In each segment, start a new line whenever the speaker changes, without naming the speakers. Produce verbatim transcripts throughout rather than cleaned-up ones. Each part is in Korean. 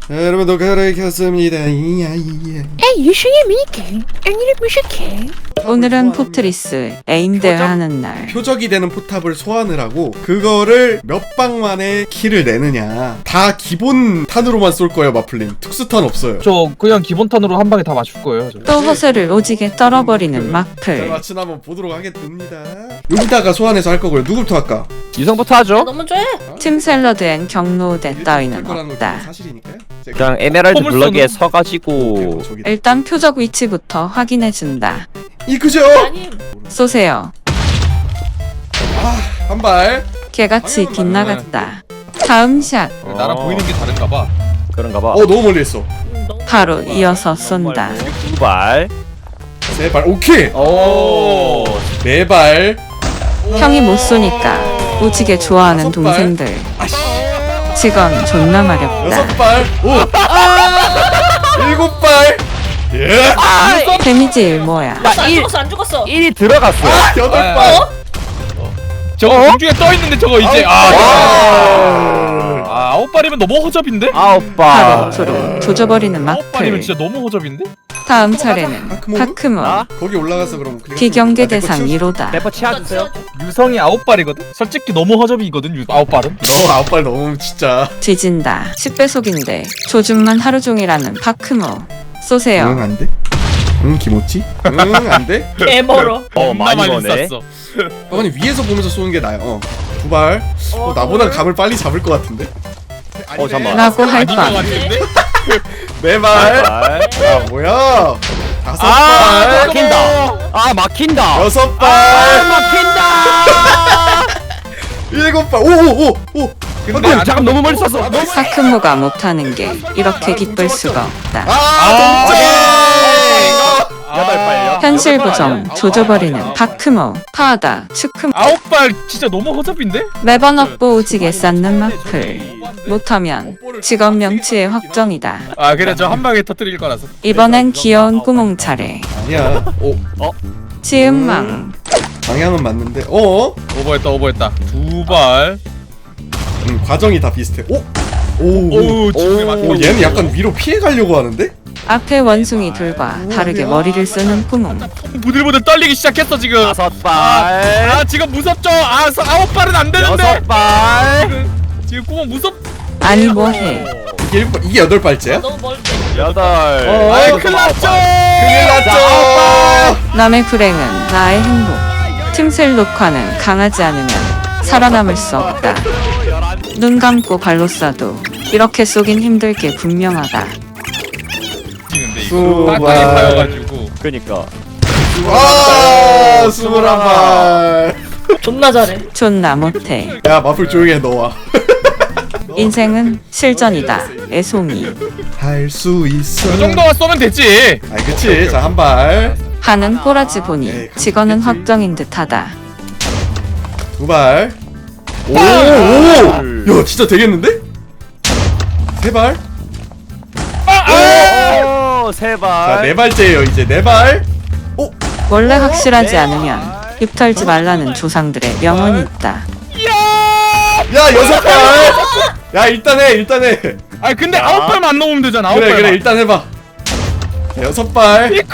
네, 여러분도 그렇겠습니다. 이야 이야.
유승의 미니게임 아니를 무식해.
오늘은 포트리스 에임 대회하는 날.
표적이 되는 포탑을 소환을 하고 그거를 몇 방 만에 킬을 내느냐. 다 기본 탄으로만 쏠 거예요, 마플님. 특수탄 없어요.
저 그냥 기본 탄으로 한 방에 다 맞출 거예요. 저.
또 허세를 오지게 떨어버리는
자,
마플.
마침 한번 보도록 하겠습니다. 여기다가 소환해서 할 거고요. 누구부터 할까?
유성부터 하죠.
너무 좋아.
팀 샐러드엔 경로대 따위는
거라는 건
없다.
사실이니까요. 제가
그냥 에메랄드
폼을
블럭에
쏘는-
서가지고
저기다.
일단 표적 위치부터 확인해준다.
이 그죠?
아니
쏘세요.
한 발.
개같이 빗나갔다. 다음 샷.
나랑
어.
보이는 게 다른가 봐.
그런가 봐.
어 너무 멀리 했어.
너무
바로 이어서 쏜다.
두발.
세 발. 오케이.
오.
네 발.
형이 못 쏘니까 오지게 좋아하는
다섯 발.
동생들.
아씨.
직원 존나 마렵다.
여섯 발. 오. 일곱 발. 예.
데미지 일모야.
안 죽었어 안 죽었어.
일이 들어갔어.
여덟
아,
발.
저거 공중에 떠 있는데 저거 이제 아,
아.
아 아홉 발이면 너무 허접인데?
아홉
바로
발.
앞으로 조져버리는
아홉 발이면
마플.
진짜 너무 허접인데?
다음 차례는
파크몬?
파크몬.
아?
거기 올라가서 그럼 클릭-
비경계
아, 내거
대상
치워줘.
일 호다.
대포 치워주세요.
유성이 아홉 발이거든? 솔직히 너무 허접이거든 유, 아홉 발은?
너 아홉 발 너무 진짜.
뒤진다. 십 배속인데 조준만 하루 종일 하는 파크모. 쏘세요.
응, 안 돼? 응, 김오찌? 응, 안 돼?
개멀어.
어 많이 거네.
쐈어.
어머니 위에서 보면서 쏘는 게 나아요. 어. 두 발. 어, 나보다 감을 빨리 잡을 것 같은데.
어, 잠깐만.
라고 할
아닌 것
뻔.
같은데?
네 발.
발.
야, 뭐야? 다섯
아
발.
막힌다. 아 막힌다.
여섯
아
발.
막힌다.
일곱 발. 오, 오, 오, 오.
근데 안
잠깐 너무 멀리 쐈어. 너무
파크모가 못하는 게 이렇게 기쁠 수가 없다.
아, 동점.
여덟 발요.
현실 고정 조져버리는 파크모. 파하다 추크모.
아홉 발 진짜 너무 허접인데?
매번 업보 오지게 쌓는 마플. 못하면 직업 명치의 확정이다.
아 그래 저 한 방에 터뜨릴 거라서.
이번엔 귀여운 구멍 차례.
아니야. 오,
지은망.
방향은 맞는데. 어?
오버했다 오버했다. 두 발.
음, 과정이 다 비슷해. 오. 오.
오우 지금
오,
맞고.
얘는 약간 위로 피해 가려고 하는데?
앞에 원숭이 둘과 다르게 머리를 쓰는 구멍.
부들부들 떨리기 시작했어 지금.
다섯
아,
발.
아 지금 무섭죠? 아 서- 아홉 발은 안 되는데.
여섯 발.
지금 구멍 무섭.
아니 뭐해.
이게 일곱 발- 이게 여덟 발째야?
너무 멀.
여덟.
어,
아이
어,
큰일 났죠.
큰일 났죠.
남의 불행은 나의 행복. 팀셀 녹화는 강하지 않으면 살아남을 수 없다. 눈 감고 발로 쏴도 이렇게 쏘긴 힘들 게 분명하다.
지는데
수
이거
발.
빡빡이 파여가지고.
그니까.
아, 스물한 발.
존나 잘해.
존나 못해.
야, 마플 조용히 해, 너와.
인생은 실전이다. 애송이.
할 수 있어.
그 정도만 쏘면 되지.
아, 그치. 자, 한 발.
하는 꼬라지 보니 직원은 확정인 듯하다.
두 발. 오, 오. 야, 진짜 되겠는데? 세 발.
오, 세
자,
발.
네 발째예요. 이제 네 발.
원래 확실하지 않으면 입 털지 말라는 조상들의 명언이 있다.
야, 여섯 발. 야, 일단 해. 일단 해.
아 근데 아홉 발만 안 넘으면 되잖아. 아홉
그래,
발만.
그래. 일단 해 봐. 여섯 발.
이퀄.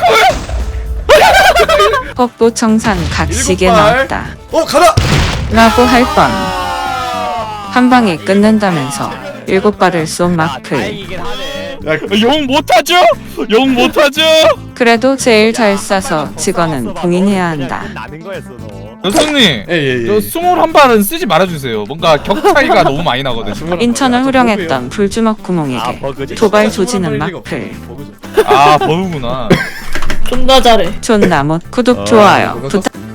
뻑보 청산 각시게
일곱 발.
나왔다.
어, 가라.
라고 할 뻔. 한 방에 끝낸다면서 일곱 발을 쏜 마플.
이긴 하네.
야,
영 못하죠? 영 못하죠?
그래도 제일 잘 쏴서 직원은 봉인해야 한다.
나는 거였어 너.
여성님.
예, 예,
저
예.
스물한 발은 쓰지 말아주세요. 뭔가 격 차이가 너무 많이 나거든.
인천을 후령했던 불주먹 구멍에게
버그지.
도발 조지는 마플.
아 버우구나.
존나 잘해.
존나 못 구독 좋아요 부탁.